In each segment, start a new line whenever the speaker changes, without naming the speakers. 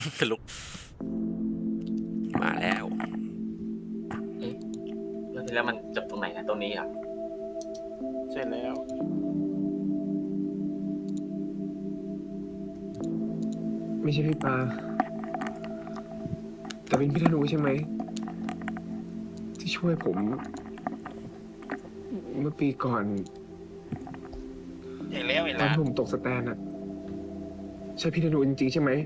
ลุกมาแล้ว
เรื่องที่แล้วมันจบตรงไหนนะตรงนี้อ่ะ
เสร็จแล้ว
ไม่ใช่พี่ปาแต่เป็นพี่ธนูใช่ไหมที่ช่วยผม เมื่อปีก่อน
เห็นแล้วเห็น
ตอ
แล้
น
ว
ผมตกสแตนอะใช่พี่ธนูจริงๆใช่ไหม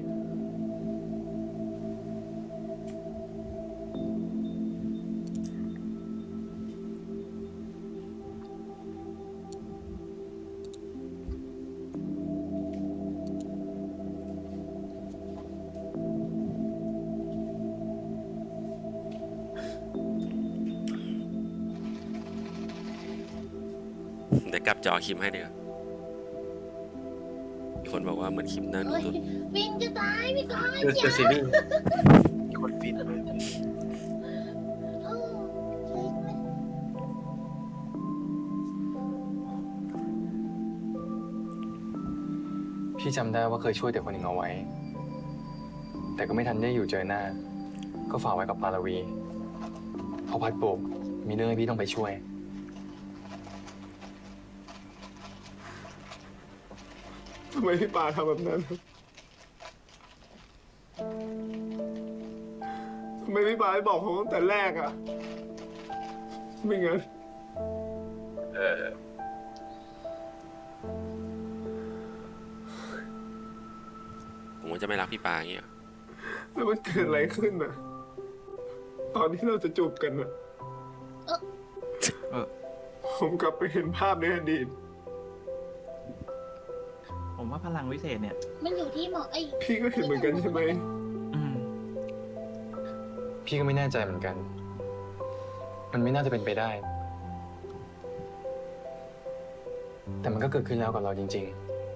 เดี๋ยวกลับจอคิมให้เดี๋ยวมีคนบอกว่าเหมือนคิมน่าดู
โอ้ย
สุด
ฟินจะตายพี่ก้อย
คือซีรีส์
มีคนฟินเลย
โอ้เซ็งเลย
พี่จำได้ว่าเคยช่วยแต่คนหนึ่งเอาไว้ แต่ก็ไม่ทันได้อยู่เจอหน้า ก็ฝากไว้กับปาลวีพอพัดโบกมีเรื่องให้พี่ต้องไปช่วย
ทำไมพี่ปาทำแบบนั้นทำไมพี่ปาไม่บอกผมตั้งแต่แรกอะไม่งั้น
ผมก็จะไม่รักพี่ปาอย่างเงี้ย
แล้วมันเกิดอะไรขึ้นอะตอนที่เราจะจูบกันอะผมกลับไปเห็นภาพในอดีต
ผมว่าพลังวิเศษเนี่ย
มันอยู่ที่หมอไอ้
พี่ก็เห็นเหมือนกันใช่ไหม
อืม
พี่ก็ไม่แน่ใจเหมือนกัน มันไม่น่าจะเป็นไปได้ แต่มันก็เกิดขึ้นแล้วกับเราจริง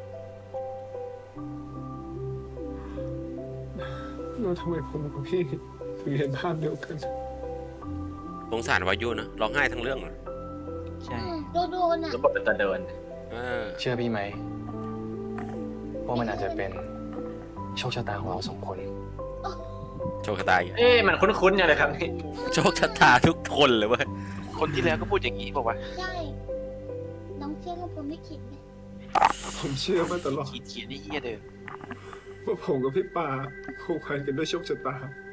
แล้วทำไมผมกับพี่ถึงเห็นภาพเดียวกัน
สงสารวายุนะร้องไห้ทั้งเรื่องเลย
ใช่
โดนอ่ะ
แล้วบทเป็นตัวเดิน
เออ
ๆ เชื่อพี่ไหมว่ามันอาจจะเป็นโชคชะตาของเราสองคน
โชคชะตาอีก
เอ๊ะมันคุ้นๆอย่างเลยครับนี่
โชคชะตาทุกคนเลยเว้ย
คนที่แล้วก็พูดอย่างนี้บอกว่า
ใช่ น้องเชื่อว่าผมไม่คิดไหม
ผมเชื่อมาตลอด
เขียนนี่เฮียเดิม
ว่าผมกับพี่ปาผูกพันกันด้วยโชคชะตา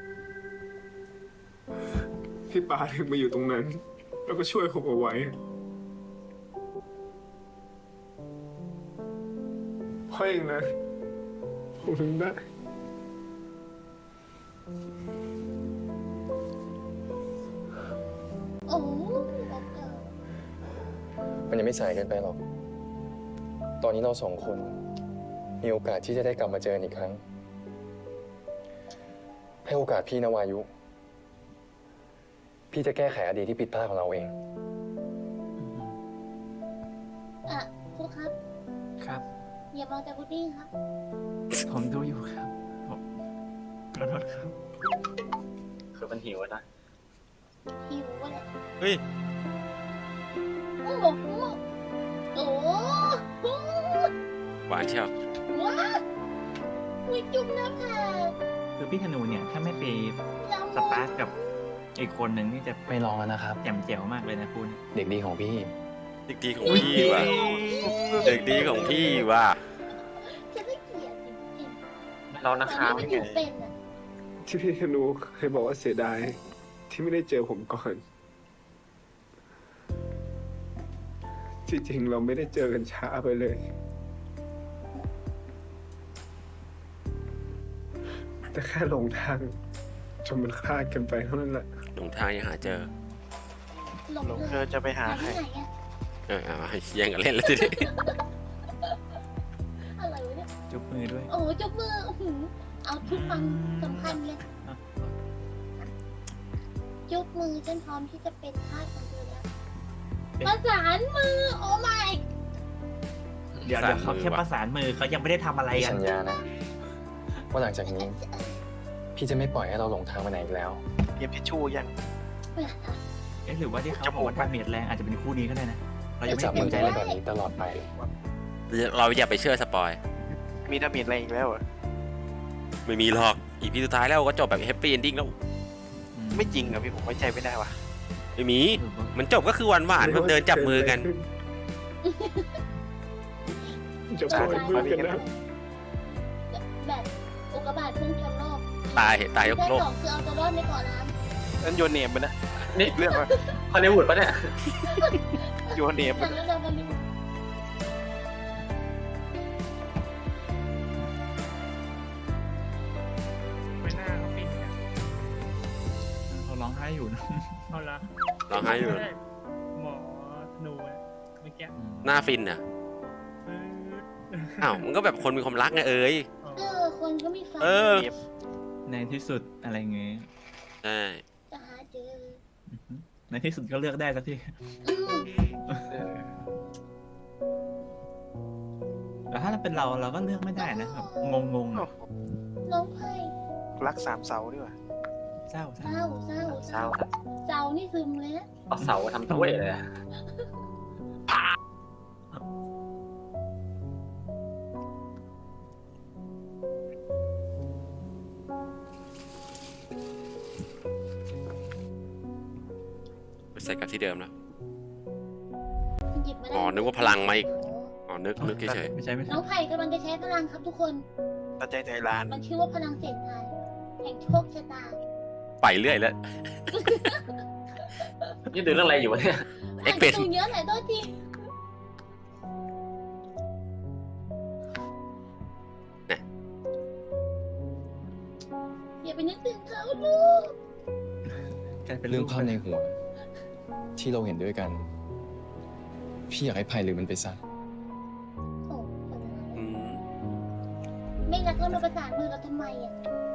พี่ปาถึงมาอยู่ตรงนั้น แล้วก็ช่วยผมเอาไว้เพราะเองนะผมถึงได้
โอ้โห
มันยังไม่สายเกินไปหรอก ตอนนี้เราสองคน มีโอกาสที่จะได้กลับมาเจอกันอีกครั้ง ให้โอกาสพี่นะวายุ พี่จะแก้ไขอดีตที่ผิดพลาดของเราเอง
อ่ะครูครับ
ครับ
อย่ามองแต่พุดดิ้งครับ
ผมดูอยู่ครับผมขอโทษครับ
คือมันหิวอะนะ
หิวอะไร
เฮ้ย
โอ้โหโอ้โห
หวานเชียว
ว้าวมีจุ่มหน้าผาก
คือพี่ธนูเนี่ย ถ้าไม่ไป
เรา
สปาร์กกับอีกคนหนึ่งนี่จะ
ไม่ลองแล้วนะครับ
แจ่มแจ๋วมากเลยนะคุณ
เด็กดีของพี่
เด็กดีของพี่ว่ะเด็กดีของพี่ว่ะ
จะได้เกลียดจริง
เรา
ๆ
นะ
ต
ค
อน
รับ
นี้มันอยู่เป็นอ่ะ
ที่พี่ธนูเคยบอกว่าเสียดายที่ไม่ได้เจอผมก่อน ที่จริงเราไม่ได้เจอกันช้าไปเลย แต่แค่หลงทางจนมันคลาดกันไปเท่านั้นแหละ
หลงทางยังหาเจอ
หลง
หลง
เล
เธอยจะไปหา
หา
ใคร
ที่ไหนอ่ะ
เอาแย่งกันเล่นแล้วทีนี้
อะไรวะเนี่ย
จุบมือด้วย
โอ้โหจุกมืออื้อหือเอาทุกความสำคัญเลย
อ่ะ
จุกมือจนพร้อมที่จะเป็นทาสของเธอแล้ว
เป็น
ประสานมือ โอ้ my
เดี๋ยวเขาแค่ประสานมือเขายังไม่ได้ทำอะไร
พี่
กัน
สัญญานะ ว่าหลังจากนี้ พี่จะไม่ปล่อยให้เราหลงทางไปไหนอีกแล้ว
เตรียมทิชชู่ยัง
เอ๊ะหรือว่าที่เขาบอกว่าดาเมจแรงอาจจะเป็นคู่นี้ก็ได้นะ เรายังไม่
จับ
ได้
มื
เตรี
อย
มใจ
กัน
เลย
แบบนี้ตลอดไป
เราอย่าไปเชื่อสปอย
มีดาเมจอะไรอีกแล้วเหรอ
ไม่มีหรอกอีพีสุดท้ายแล้วก็จบแบบแฮปปี้เอนดิ้งแล้ว
ไม่จริงอะพี่ผมไว้ใจไม่ได้ว่ะ
ไม่มีมันจบก็คือหวานๆแบบเดินจับมือกัน
จะปล่อยมือกันนะ
แบบอุกกาบาตพุ่งชนโลก
ตายยก
แค่
โลก
สองคือเอาตัวรอดในเกาะน้
นั่นโยนเนมไปนะ
นี่
เรื่องว่า
ฮอลลีวูดปะเนี่ย
โยนเนม
ำ
ไป
จากนั้นเราก็รู้
ไม่น่าเขาฟินกัน
เขาร้องไห้อยู่นะ
เอาละ
ร้องไห้อยู่
หมอธนูอะเมื่อกี้
หน้าฟินอ่ะ
เออ
อ้าวมันก็แบบคนมีความรักไงเอ้ย
คนก็มีไฟ
เออ
เนม
ในที่สุดอะไรเงี้ย
ใช่
จะหาเจอ
อือฮึในที่สุดก็เลือกได้สักที แต่ถ้าเป็นเราก็เลือกไม่ได้นะแบบงงๆอะ
น้องไพ่
รักสามเสาดีกว่า
เศร้า
เศร้าเศร้า
เศร้าครับ
เศร้านี่ซึมเลยนะ
เอาเสาทำถ้วยเลยอะ
ไปใส่กับที่เดิมแล้ว
หยิบไม่ได้
อ๋อนึกว่าพลังมาอีก อ๋อนึกเฉย
ไม่ใช่ไม่
น้
ใช่
องไผ่กำลังจะใช้พลังครับทุกคน
ตัดใจใจร้าน
มันชื่อว่าพลังเสียงทายแห่งโชคชะตา
ๆไปเรื่อยแล้ว
นี่ดูเรื่องอะไรอยู่วะเนี่ย
เอ็กเป็น
อ่านการ์ตูนเยอะหน่อยโทษที
เนี่ย
อย่าไปนึกถึงเขาลูก
กลายเป็น
เรื่อง
ลูก
ภาพในหัว ที่เราเห็นด้วยกัน พี่อยากให้ไผ่หรือมันไปซะ
โอ้
อืม
ไม่รักก็มาประสานมือเราทำไมอ่ะ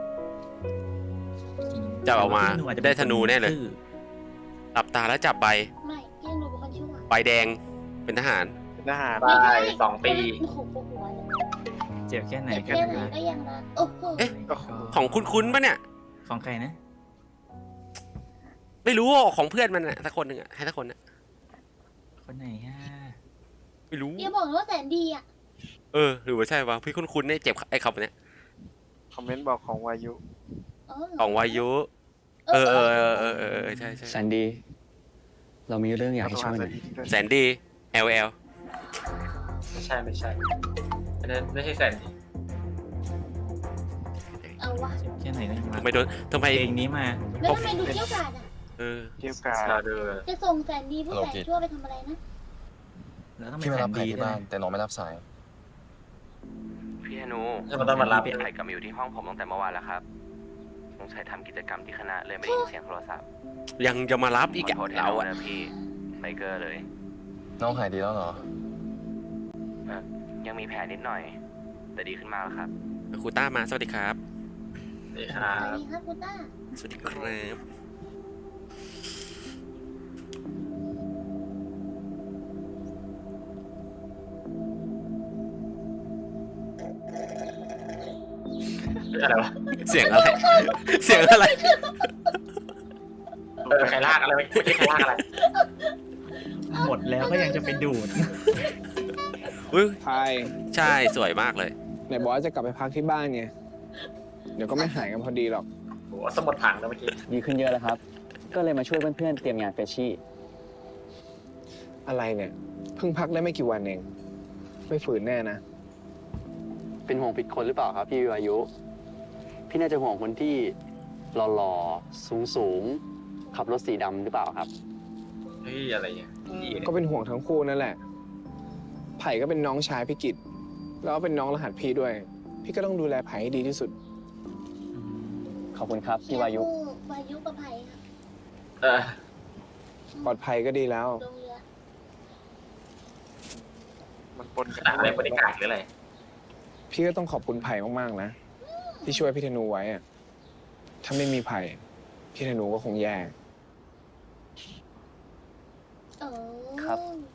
จับออกมา
พี่หอาจจะ
ได้ธนูแน่เลย
ซื่อ
หลับตาแล้วจับใบ
ไม่พี่หนูเป็นคนชั่ว
ใบแดงเป็นทหาร
เป็นทหาร
ตาย2 ปี
โอ้โหปวดหัวเลย
เจ็บแค่ไหน
เจ็บ
กัน
แค่ไหน
นะ
ก็ยังรักโอ้โห
เอ๊ะ
โอ้โห
ของคุ้นๆปะเนี่ย
ของใครนะ
ไม่รู้ของเพื่อนมันอะสักคนหนึ่งอะให้สักคนอะ
คนไหนฮะ
ไม่รู้
อย่าบอกนะว่าแสนดีอ่ะ
หรือว่าใช่วะพี่คุ้นๆเนี่ยเจ็บไอ้คำเนี้ย
คอมเมนต์บอกของวายุ
อ๋อ
ของวายุใช่
แซนดี้ เรามีเรื่องอยากให้ช่วยหน่อย
แสนดี LL
ไม่ใช่ไม่ใช่ไม่ใช่แซนดี้
เอาวะ
เจ็บแค่ไหนก็ยังรัก
ทำไมโดนทำไม
เพลงนี้มา
แล้วทำไมดูเกี้ยวกาดอ่ะ
เกี่ยวกับ
ชาเดอร์
จะส่งแสนดีผู้แสนชั่วไปทำอะไรนะ
แล้วต้อง
พี่
เป็น
มา
แส
รับ
น
ไผ่
ดี
ที่
ด้วย
บ้าน
นะ
แต่น้องไม่รับสาย
พี่ธนู
จะมาต้องมารับ
ไผ่กลับมาอยู่ที่ห้องผมตั้งแต่เมื่อวานแล้วครับสงสัยทำกิจกรรมที่คณะเลยไม่ได้ยินเสียงโทรศัพท์
ยังจะมารับอีก
ขอ
อะ
โทษแทน
เรา
น้อง
อะ
นะพี่ไบเกอร์เลย
น้องหายดีแล้วเหรอ
ยังมีแผลนิดหน่อย แต่ดีขึ้นมากแล้วครับ
ครูต้ามาสวัสดีครับ
นี่ค
ส
รั
วัส
บ
ดีครับคุณต้า
สวัสดีครับ
อะไรวะ
เสียงอะไร เสียงอะไร
ใครลากอะไรไม่ใช่ใครลากอะไร
หมดแล้วก็ยังจะไปดูด
อุ้ย
พาย
ใช่สวยมากเลย
ไหนบอกว่าจะกลับไปพักที่บ้านไง เดี๋ยวก็ไม่หายกันพอดีหรอก
โหสมุดผังแล้วเมื่อกี้
ดีขึ้นเยอะแล้วครับ ก็เลยมาช่วยเพื่อนๆเตรียมงานเฟชชี่
อะไรเนี่ย เพิ่งพักได้ไม่กี่วันเอง ไม่ฝืนแน่นะ
เป็นห่วงผิดคนหรือเปล่าครับพี่วิวายุ พี่น่าจะห่วงคนที่หล่อๆ สูงๆ ขับรถสีดำหรือเปล่าครับ
เฮ้ยอะไรเนี่ยพี่เนี่ย
ก็เป็นห่วงทั้งคู่นั่นแหละ ไผ่ก็เป็นน้องชายพี่กิตแล้วก็เป็นน้องรหัสพี่ด้วย พี่ก็ต้องดูแลไผ่ให้ดีที่สุด
ขอบคุณครับพี่วายุ
วายุกับไผ่ครับ
เออ
ปลอดภัยก็ดีแล้ว
ลงเรือ
มันปนกัน
อะไรบริการหรืออะไร
พี่ก็ต้องขอบคุณไผ่มากๆนะ ที่ช่วยพี่ธนูไว้อะถ้าไม่มีไผ่พี่ธนูก็คงแย่
เออ
ครับ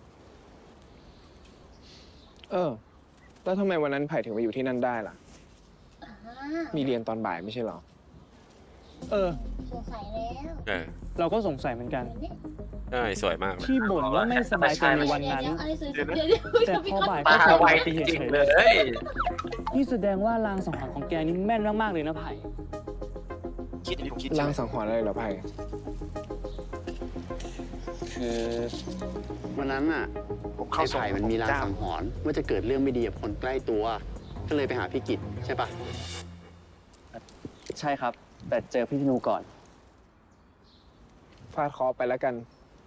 แล้วทำไมวันนั้นไผ่ถึงไปอยู่ที่นั่นได้ล่ะ
อ่า
มีเรียนตอนบ่ายไม่ใช่เหรอ
ม
เออ
สงสัยแล้ว
เออ
เราก็สงสัยเหมือนกัน
ใช่สวยมากเลย
ที่บ่นว่าไม่สบายใจในวันนั้น
อะไรสวย
เดี๋ยวนะ
เดี๋ยว
แต่พอบ่าย
ตา
ก็
ไว
ไป
จ
เฉ
ริง
ย
ๆ
ๆ
เล
เลย
ย
นี่แสดงว่าลางสังหรณ์ของแกนี่แม่นมากๆเลยนะไผ่
คิดผมคิด
ลางสังหรณ์อะไรเหรอไผ่
คือวันนั้นอ่ะ
ผมเข้า
ไอ้
ส่ง
ไผ่มันมีลางสังหรณ์ว่าจะเกิดเรื่องไม่ดีกับคนใกล้ตัว ก็เลยไปหาพี่กิตใช่ปะใช่ครับ แต่เจอพี่ธนูก่อน
ฟาดคอไปแล้วกัน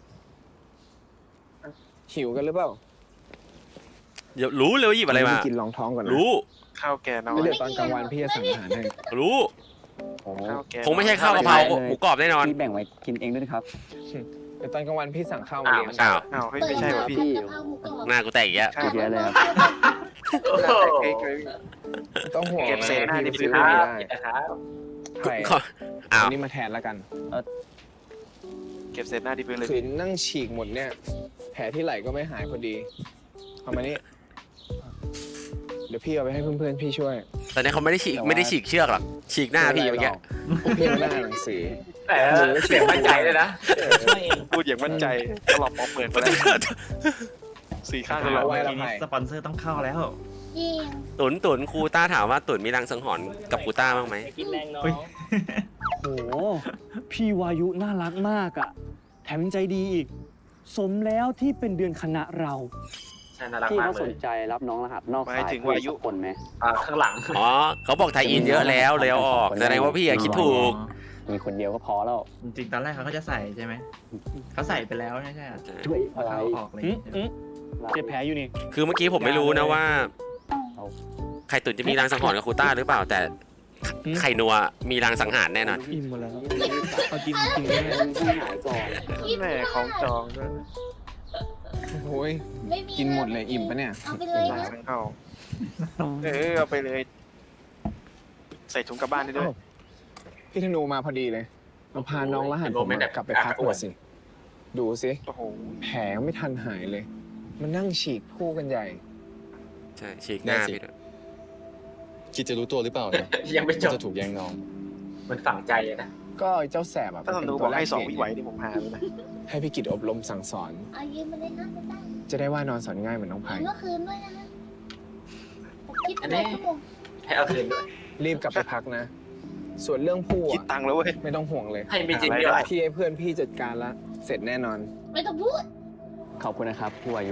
หิวกันหรือเปล่า
เดี๋ยวรู้เลยว่าหยิบอะไรมา
ปกินรองท้องก่อนนะ
รู้
ข้าวแกน้อ
แล้ว
ย
เดี๋ยวตอนกลางวันพี่จะสั่งอาหารให้
รู้
ข้าวแก
คงไม่ใช่ข้าวกะเพราหมูกรอบแน่นอน
พี่แบ่งไว้กินเองด้วยนะครับ
เดี๋ยวตอนกลางวันพี่สั่งข้าวมาเลี้ยง
อ้าว
อ้าวเฮ้ยไม่ใช่ว่ะพี่
กะเพราหมูกรอบ
หน้ากูแตกอีกแล้ว
ข้าว
เยอะเลยครับ
โอ้โห
เค้กเลย
ต้องห่วง
เก็บเศษหน้าที่
พี่
พื้น
ซื้อ
ไม่
ไม่
ได้
ได้
นะครับ
ไผ่
อ้าว
อันนี้มาแทนแล้วกัน
เก็บเศษหน้าที่พื้นเลย
ขืนนั่งฉีกหมดเนี่ย แผลที่ไหล่ก็ไม่หายพอดีเอามานี่ เดี๋ยวพี่เอาไปให้เพื่อนๆพี่ช่วย
ตอนนี้เขาไม่ได้ฉีกเชือกหรอกฉีกหน้าพี่เมื่อกี้
พวกพี่เอาหน้าหนังสือ
แต่เสียงมั่นใจเลยนะ
พูดอย่างมั่นใจตลอดพอเปิดมาแล้วสี่ข้างกันเลย
เอาไว้
ทีนี้สปอนเซอร์ต้องเข้าแล้ว
จริง
ตุนครูต้าถามว่าตุนมีรังสังหรณ์กับครูต้าบ้างไหม
เฮ้ย
โอ้โหพี่วายุน่ารักมากอะแถมยังใจดีอีก สมแล้วที่เป็นเดือนคณะเรา
ใช่น่ารัก
พี่
มาก
เขา
เล
ส
ย
นใจรับน้องรหัสนอก
หมา
สาย ย
ถึง
เพิ่ม
วายุ
สักคนไหม
ข้างหลัง
อ๋อเขาบอกไทยอินเยอะแล้วเลยเอาออกแสดงว่าพี่อะคิดถูก
มีคนเดียวก็พอแล้ว
จริงๆตอนแรกเขาก็จะใส่ใช่ไหม เขาใส่ไปแล้วไม่ใช่เหรอ
ช่วยอะไร
เขาออกเลย
เจ็บแผลอยู่นี่
คือเมื่อกี้ผมไม่รู้นะว่า
เอา
ไข่ตุนจะมีรังสังหรณ์กับครูต้าหรือเปล่า แต่ไข่นัวมีรังสังหารแน่นอน
อิ่มหมดแล้วเอากินจริงๆแน่
พี่หายก่อน
แม่ของจองด้วย
โอ้ย
ไม่มี
กินหมดเลยอิ่มปะเนี่ย
เอาไปเลย
ลา
นะ
สังเข้าเอาไปเลย ใส่ถุงกลับบ้านได้ด้วย
พี่ธนูมาพอดีเลยมาพาน้องรหัสผมกลับไปพักก่อนสิ ดูสิ
โอ้โห
แผลยังไม่ทันหายเลย มันนั่งฉีกคู่กันใหญ่
ใช่ฉีกหน้าพี่ด้วย
คิดจะรู้ตัวหรือเปล่าเนี่ย
ยังไม่จบ
จะถูกแย่งน้อง
มันฝังใจอะนะ
ก็ไอ้เจ้าแสบอ่ะ
ถ้าสนุบอกให้2 วิไหวนี่ผมหาเลยนะ
ให้พี่กิตอบรมสั่งสอน
เอายืมมาเลยนะไม่ได้
จะได้ว่านอนสอนง่ายเหมือนน้องไผ่
เมื่อคืนด้วยนะผมคิดไปเลยชั่วโมง
ให้เอาคืนด้วย
รีบกลับไปพักนะ ส่วนเรื่องผู้
คิด
อ่ะ
ตังค์แล้วเว้ย
ไม่ต้องห่วงเลย
ให้มีจริงด้วย
พี่ให้เพื่อนพี่จัดการละ เสร็จแน่นอน
ไม่ต้องพูด
ขอบคุณนะครับพี่วายุ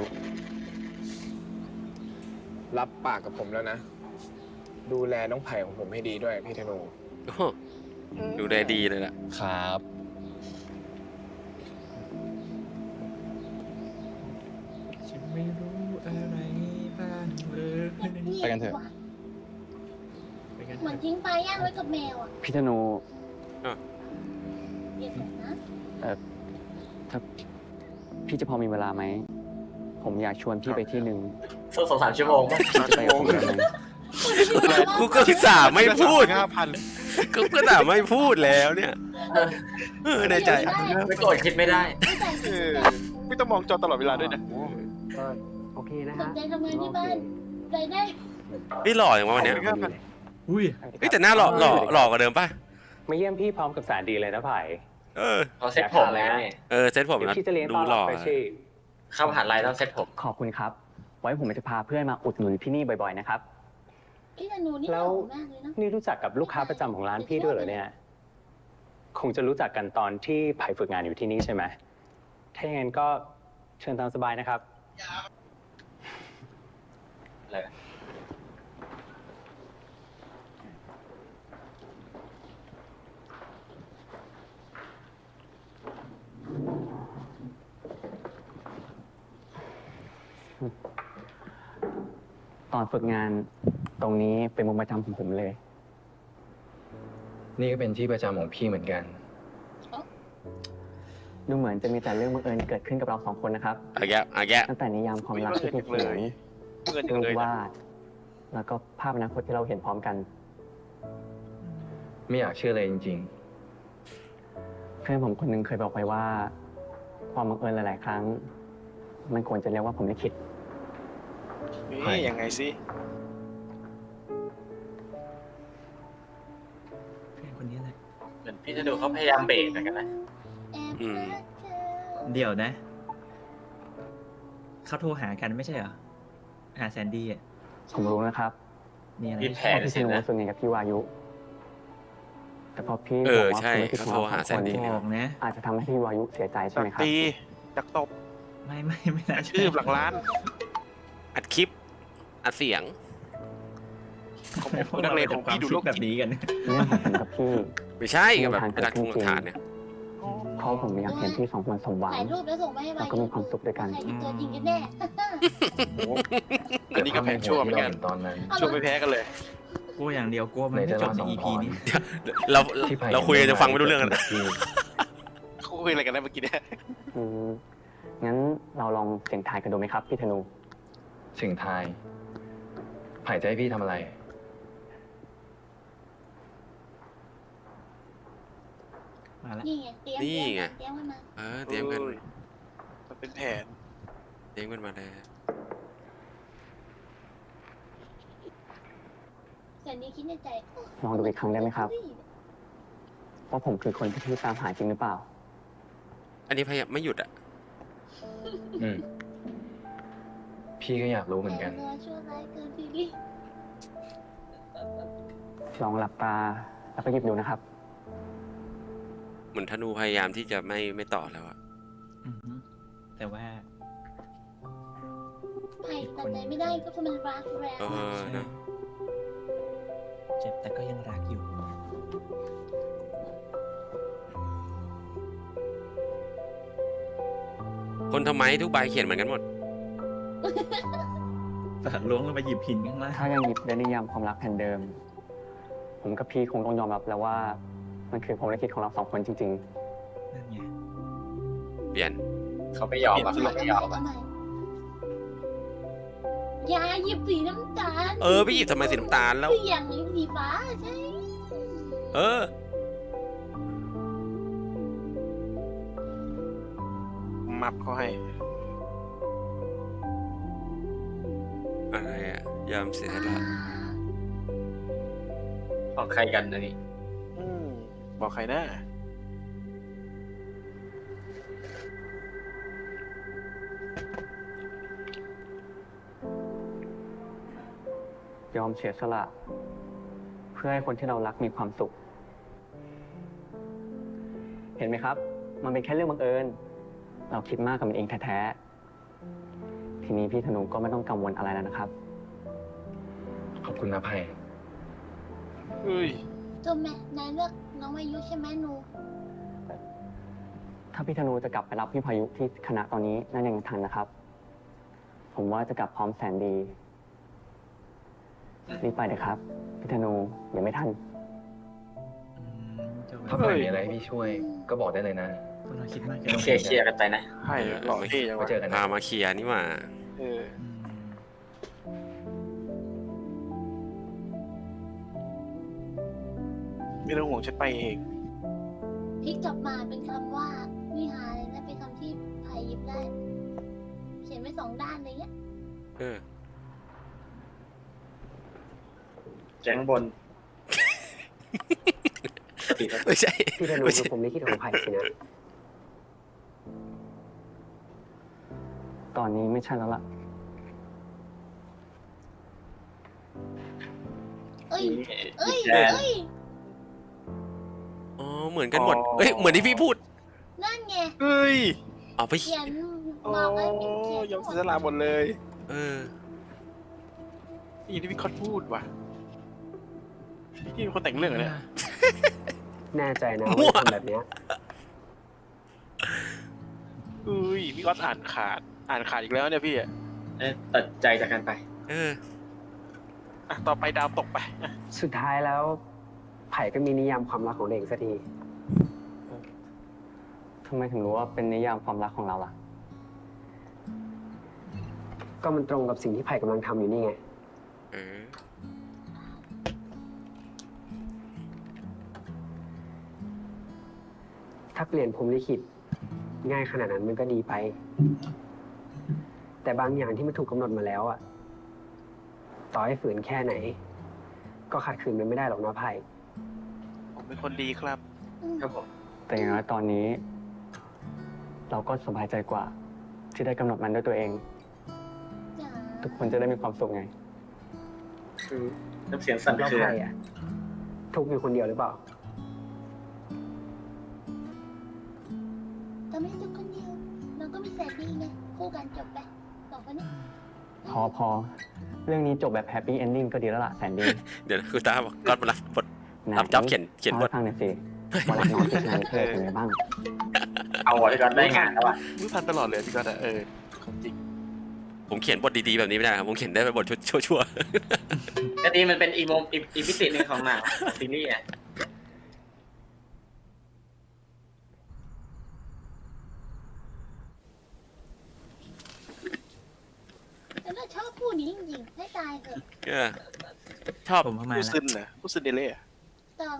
รับปากกับผมแล้วนะ ดูแลน้องไผ่ของผมให้ดีด้วยพี่ธนู
โอ้โหดูแลดีเลยล่ะ
ครับ
ฉันไม่รู้อะไรบ้างเลย
ไปกันเถอะ
ไปกัน
เหมือนทิ้งปลาย่างไว้กับแมวอ่ะ
พี่ธนู
เดี๋ยวก่อนนะ
ถ้าพี่จะพอมีเวลาไหม ผมอยากชวนพี่ไปที่หนึ่ง
สัก2-3 ชั่วโมงป่ะ
พี่จะไปกับผมได้ไหม
กูก็อุตส่าห์ไม่พูด
5,000
ก็อุตส่าห์ไม่พูดแล้วเนี่ยในใจ
ไม่โกรธคิดไม่ได้
ไม่แต่
เออไม่ต้องมองจอตลอดเวลาด้วยนะ
โอเคนะ
ส
ฮะ
นใจทำงานที่บ้านรายได้
พี่หล่ออย่างวะวันเนี้ย
อุ้ย
เฮ้ยแต่หน้าหล่อกว่าเดิมป่ะ
มาเยี่ยมพี่พร้อมกับแสนดีเลยนะไผ่
เออ
เขาเซ็ตผมไง
เซ็ตผมนะ
พี่จะเลี้ยง
ดู
ต้อน
ห
รั
ล่
บ
อ
ไปชี่
เข้ามหาลัยต้องเซ็ตผม
ขอบคุณครับ ไว้ผมจะพาเพื่อนมาอุดหนุนที่นี่บ่อยๆนะครับ
พี่ธนูนี่ห
แล้
ล่
ว
อมากเลยเนาะ
นี่รู้จักกับลูกค้าประจำของร้านพี่ด้วยเหรอเนี่ย คงจะรู้จักกันตอนที่ไผ่ฝึกงานอยู่ที่นี่ใช่ไหม ถ้าอย่างนั้นก็เชิญตามสบายนะครับ
เลย
ตอนฝึกงานตรงนี้เป็นมุมประจำของผมเลย
นี่ก็เป็นที่ประจำของพี่เหมือนกัน
ดูเหมือนจะมีแต่เรื่องบังเอิญเกิดขึ้นกับเราสองคนนะครับ
อาแกอาแก
ตั้งแต่นิยามความรักที่พี่เขียน
เงินจั
รู
ง
ป
เลยนะ
วาด แล้วก็ภาพอนาคตที่เราเห็นพร้อมกัน
ไม่อยากเชื่อเลยจริง
เพื่อนผมคนหนึงเคยบอกไว้ว่า ความบังเอิญหลาย ๆ ครั้ง มันควรจะเรียกว่าผมลิขิต
นี่ยังไงสิ
เพื่อนคนนี้แหละ
มือนพี่ธนูเขาพยายามเบรกเหมือนกันนะ
อืม
เดี๋ยวนะ เขาโทรหากันไม่ใช่เหรอ หาแซนดี้อ่ะ
ผมรู้นะครับ
มีอะไร
มีแผ
ว่าพี่ธนูส่วนใหญ่กับพี่วายุ แต่พอพี่
เอ
บอก
อ
ว่า
ใช่
ธุรกิจของเรา
เขาโทรหา
สองคน
แซนดี้
เนี่ย
บอกนะ
อาจจะทำให้พี่วายุเสียใจใช่
ดั
ไหม
ก
ครับ
ตีดักตบ
ไม่น่า
ชื่อหลังร้าน
อัดคลิป อัดเสียง
ของผมนักเลงของพี่ดูโลก
แบบ
จิต
นี้กัน
เรื่องของผมกับพี่
ไม่ใช่กับแบบเป็นหลักทงหลักฐานเนี่ย
เพราะผมอยากเห็นพี่สองคนสมหวัง
ถ่ายรูปแล้วส่งไปให้
แล้วก็มีความสุขด้วยกัน
ใครเป็นตัวจริงกันแน่
อันนี้ก็แผนชั่วเหมือนกัน
ตอนนั้น
ชั่วไม่แพ้กันเลย
กลัวอย่างเดียวกลัวมันไม่จบใน EP นี้
เรา
ที่ไผ่
เราคุยกันจะฟังไม่รู้เรื่องกัน
พี่
เขาคุยอะไรกันนะเมื่อกี้เนี่ย
อืมงั้นเราลองเสี่ยงทายกันดูไหมครับพี่ธนู
สิ่งทาย ไผ่จะให้พี่ทำอะไร
มาละ
นี่ไงเตรียม
นี่ไง
เตรียมกันมา
เตรียมกัน
มันเป็นแผน
เตรียมกันมาแล้ว
แซนดี้คิดในใจ
ลองดูอีกครั้งได้ไหมครับว่าผมคือคนที่พี่ตามหาจริงหรือเปล่า
อันนี้พยายามไม่หยุดอ่ะ
อืม พี่ก็อยากรู้เหมือนกัน
แต่ชั่วร้ายเกินซีรีส์
ลองหลับตาแล้วก็หยิบดูนะครับ
เหมือนธนูพยายามที่จะไม่ต่อแล้วอะ
อือฮึแต่ว่า
ไผ่ตัดใจไม่ได้ก็เพราะมันรักแรง
นะ
เจ็บแต่ก็ยังรักอยู่
คนทำไมทุกใบเขียนเหมือนกันหมด
แต่ล้วงลงไปหยิบหินข้างล่าง
ถ้ายังหยิบได้นิยามความรักแผ่นเดิม ผมกับพี่คงต้องยอมรับแล้วว่ามันคือผมและคิดของเราสองคนจริง
นั่นไง
เปลี่ยน
เขาไม่ยอมอ่ะเขาไม่ยอม
เอาใหม่อย่าหยิบสีน้ำตาล
พี่หยิบทำไมสีน้ำตาลแล้ว
สีอย่างสีฟ้าใช่
มับเขาให้
อะไรอะยอมเสียสละ
ของใครกันนะนี่
บอกใครนะ
ๆ ยอมเสียสละ เพื่อให้คนที่เรารักมีความสุข เห็นไหมครับ มันเป็นแค่เรื่องบังเอิญ เราคิดมากกับมันเองแท้ๆ ทีนี้พี่ธนูก็ไม่ต้องกังวลอะไรแล้วนะครับ
ขอบคุณนะไผ่
เฮ้ย
จบไหมนายเลือกน้องวายุใช่ไหมหนู
ถ้าพี่ธนูจะกลับไปรับพี่พายุที่คณะตอนนี้นั่นยังทันนะครับ ผมว่าจะกลับพร้อมแสนดี รีบไปเลยครับ พี่ธนูยังไม่ทัน
จบ
ถ้าไผ่มีอะไรให้พี่ช่วย ก็บอกได้เลยนะ
พวกเราคิดมากเกิน
ต้อง
ไป
เคลียร์กันไปนะ
ให้หล่อเท่จัง
ไว้
วะ
เจอกัน
พา
นะ
มาเคลียร์นี่หว่า
เออ ไม่ต้องห่วงฉันไปเอง
พลิกกลับมาเป็นคำว่าวิหารเลยนะเป็นคำที่ไผ่หยิบได้ เขียนไว้2 ด้านอะไรเงี้ย
แจ้งบน
ไม่ใช่
พี่ธนู
ไม่
คื
ใช่
อผมลิขิตของไผ่สินะ ตอนนี้ไม่ใช่แล้วล่ะ
เอ้ย เอ้ย
แจ้ง
เอ้ย
อ๋อ เหมือนกันหมด เหมือนที่พี่พูด
นั่นไง
เฮ้ย
เอาไป
เขียน
โอ้
มาไว้เขียน
ยอมเสียสละหมดเลย
เออ
นี่ที่พี่คอดพูดว่ะพี่เป็นคนแต่งเรื่องเหรอเนี่ย
แน่ใจนะ
มั่ว
ว่าทำแบบเนี้ย
เฮ้ยพี่ก็อ่านขาดอีกแล้วเนี่ยพี่อะ
ตัดใจจากกันไป
อ่ะต่อไปดาวตกไป
สุดท้ายแล้ว ไผ่ก็มีนิยามความรักของตัวเองสักทีทำไมถึงรู้ว่าเป็นนิยามความรักของเราล่ะ ก็มันตรงกับสิ่งที่ไผ่กำลังทำอยู่นี่ไง ถ้าเปลี่ยนพรหมลิขิตง่ายขนาดนั้นมันก็ดีไป แต่บางอย่างที่มันถูกกำหนดมาแล้วอะต่อให้ฝืนแค่ไหน ก็ขัดขืนมันไม่ได้หรอกนะไผ่
ผมเป็นคนดีครับ
ครับผม
แต่อย่างน้อยตอนนี้ เราก็สบายใจกว่า ที่ได้กำหนดมันด้วยตัวเอง
จ๋า
ทุกคนจะได้มีความสุขไง
คือน้ำเสียงสั่น
แล้ว
เครือ
ใครอ่ะ ทุกข์อยู่คนเดียวหรือเปล่า
แต่ไม่ใช่ทุกคนเดียวเราก็มีแสนดีไงคู่กันจบไปสองคนนี้
พอ เรื่องนี้จบแบบแฮปปี้เอนดิ้งก็ดีแล้วล่ะแสนดี
เดี๋ยวนะคุณตาบอกก็มารับบท
ไหน
รับจ็อบเขียนบท
ล่าให้ฟังหน่อยสิว่ารับน้องที่งานเธอเป็นไงบ้าง
เอาอ่ะพี่ก๊อตได้งานแล้วอ่ะ
รู้ทันตลอดเลยพี่ก็ของจริง
ผมเขียนบทดีๆแบบนี้ไม่ได้ครับผมเขียนได้เป็นบทชั่ว
ก็ดีมันเป็นอีพิเศษหนึ่งของหนังซีรีส์อ่ะ
แต่เราชอบคู่นี้จริงๆให้ตายเถอะ
ๆชอบ
ผมเข้ามา
ผู้
แล้ว
ซึนนะผู้ซึนเดเล่
ตอง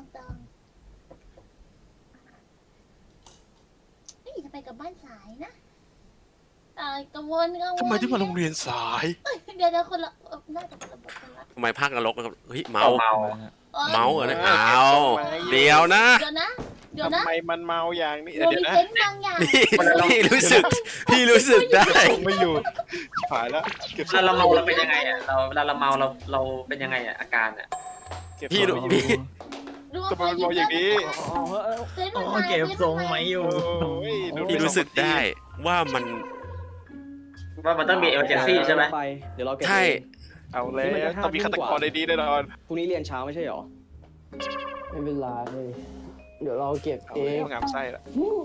นี่จะไปกับบ้านสายนะกังวล
ทำไมที่มาโรงเรียนสาย
เดี๋ยวคนละน่าจะคนละบทกันละ
ทำไมภาคนรกนะครับเฮ้ยเมา
เมา
เมาเหรอเนี่ยเอาเดี๋ยวนะ
เดี๋ยวนะ
ทำไมมันเมาอย่างนี้
เรา
เดี๋ยว
มี
นะ
เซนต์บางอย่าง
พี่รู้สึกได้
ส่งไม่อยู่ผายแล้วเก็บ
เวลาเราเมาเราเป็นยังไงอ่ะเวลาเราเมาเราเป็นยังไงอ่ะอาการอ่ะ
พี่รู้
รู้ว่า
ทำไมมันเมาอย่างนี้
เซนต์
โอ้
มันมา
เก็บทรงไหมอยู่
โอ้ยดู
พี่รู้สึกได้ว่ามัน
ว่ามันต้องมีเอเมอร์เจนซี่ใช่ไหม
ไปเดี๋ยวเราเก็บ
ใช่
เอาแล้วต้องมีฆาตกรในนี้แน่นอน
พรุ่งนี้เรียนเช้าไม่ใช่หรอ ไม่เป็นไรเดี๋ยวเราเก็บ
เอา
เอ
แล้
ง
วงามไส้ละ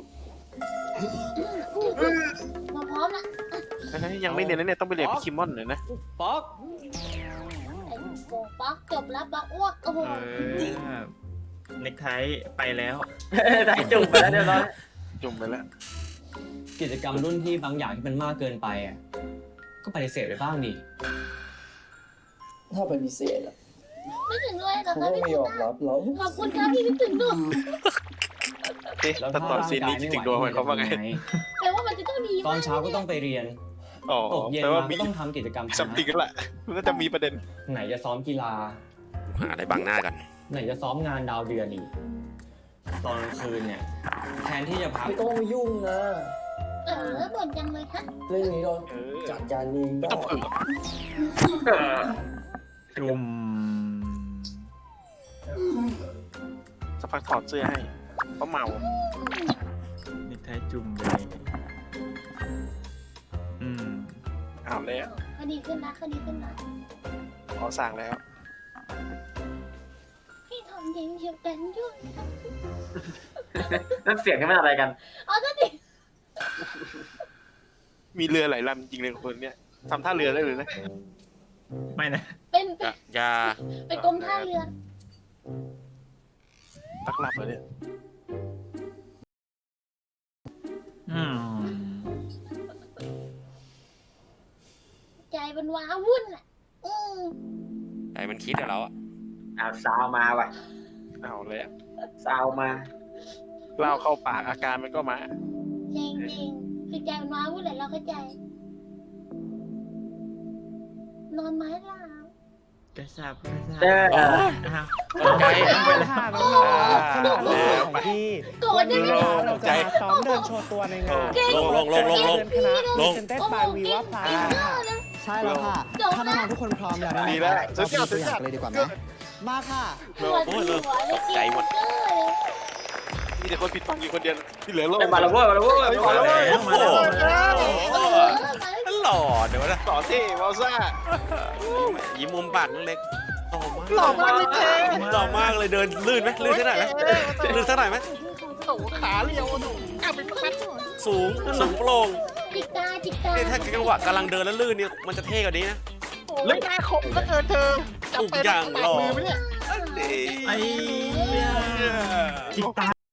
มาพร้อมละ
ยังไม่เรียนนะเนี่ยต้องไปเรียนพี่คิมมอนหน่อยนะ
ป๊อก
ไอ้โป่งปักจบแล้วปักอ้วกโอ้โห
เน็กไทไปแล้ว
ได้จุ่มไปแล้วเรียบร้อย
จุ่มไปแล้ว
กิจกรรมรุ่นที่บางอย่างที่มันมากเกินไปอ่ะก็ปฏิเสธไปบ้างดิ
ถ้าปฏิเสธอ่ะ
ไม่ถึงด้วยเหรอ
เขา
คะ
ก็
พี่
ไม่
คุ
ย
ณ
อมรับเรา
ขอบคุณครับพี่นึกถึงด้วย
เอ๊ะแต่ตอนซีนนี้คิดถึงดวงมันเขาว่าไง
แปลว่ามันจะต้องดี
ตอนเช้าก็ต้องไปเรียน
อ๋อ
ตกเย็น
แปลว่า
มา
มี
ก็ต้องทำกิจกรรม
สัมติงกันแหละมันก็จะมีประเด็น
ไหนจะซ้อมกีฬา
หาอะไรบังหน้ากัน
ไหนจะซ้อมงานดาวเดือนอีกตอนกลางคืนเนี่ยแทนที่จะพัก
ไม่ต้องมายุ่งนะ
บ่นจังเลยฮะ
เรื่องนี้เรา
เออ
จัดการเอง
ไม่
ได้
ต้องเผือก
จุ่ม
สักพักถอดเสื้อให้เพราะเมา
เน็กไทจุ่มเลยอืม
เอาแล้ว
คดีขึ้นนะคดีขึ้นนะ
ขอสั่งแล้ว
พี่ทำยังเชียวกันยุ่ง
นั่นเสียงนี่มันอะไรกัน
อ๋อนั่นดิ
มีเรือหลายลำจริงเลยคนเนี้ยทำท่าเรือได้เลยนะ
ไม่นะ
เป็น
ยา
เป็นกรมท่าเรือ
ตักหลับเหรอเนี่ย
อืม
ใจมันว้าวุ่นอ่ะม
ใจมันคิดกับเราอะ
ซาวมาว่ะ
เอาแล้ว
ซาวมา
เหล้าเข้าปากอาการมันก็มา
จริงจริงคือใจมันว้าวุ่นแหละเราเข้าใจ นอนไม้ลาว
กระสับ
เออ
อ้าว
ตกใจ
ค่ะน้องๆขนมของพี่
โกรธได้ไหม
เราจะมาซ้อมเดินโชว์ตัวในงาน
ลง
เดินคณะ
ลง
เซนเต็ดบายวีว่าพลาค่ะใช่แล้วค่ะ ถ้าน้องๆทุกคนพร้อมแล้ว
ดีแล้ว
เราไปดูตัวอย่างเลยดีกว่าไหมมาค่ะ
ปวดหัวเลย
ตกใจหมด
มีแต่คนผิดฟังอยู่คนเดียวที่เหลือโลก
มาแล้วเว้ยมาแล้วเว้ย
มาแล้วเว้ย
มาแล้ว
หล่อเดี๋ยวนะ
ต่อที่วอลซ่า
ยิ้มมุมปากเล็กหล่อมากเลยเจ๊หล่อมากเลยเดินลื่นไหมลื่นสักหน่อยไหมลื่นสักหน่อยไหม
ขาเรียวหนูกลับไปพัด
สูงโปร่ง
จิกตาจิกตา
นี่ถ้าจังหวะกำลังเดินแล้วลื่นเนี่ยมันจะเท่กว่านี้นะ
เล่นหน้าคมก็เกินเธอ
ทุกอย่างหล่อ
มือไหมเนี่ย
ไอ้จิกตา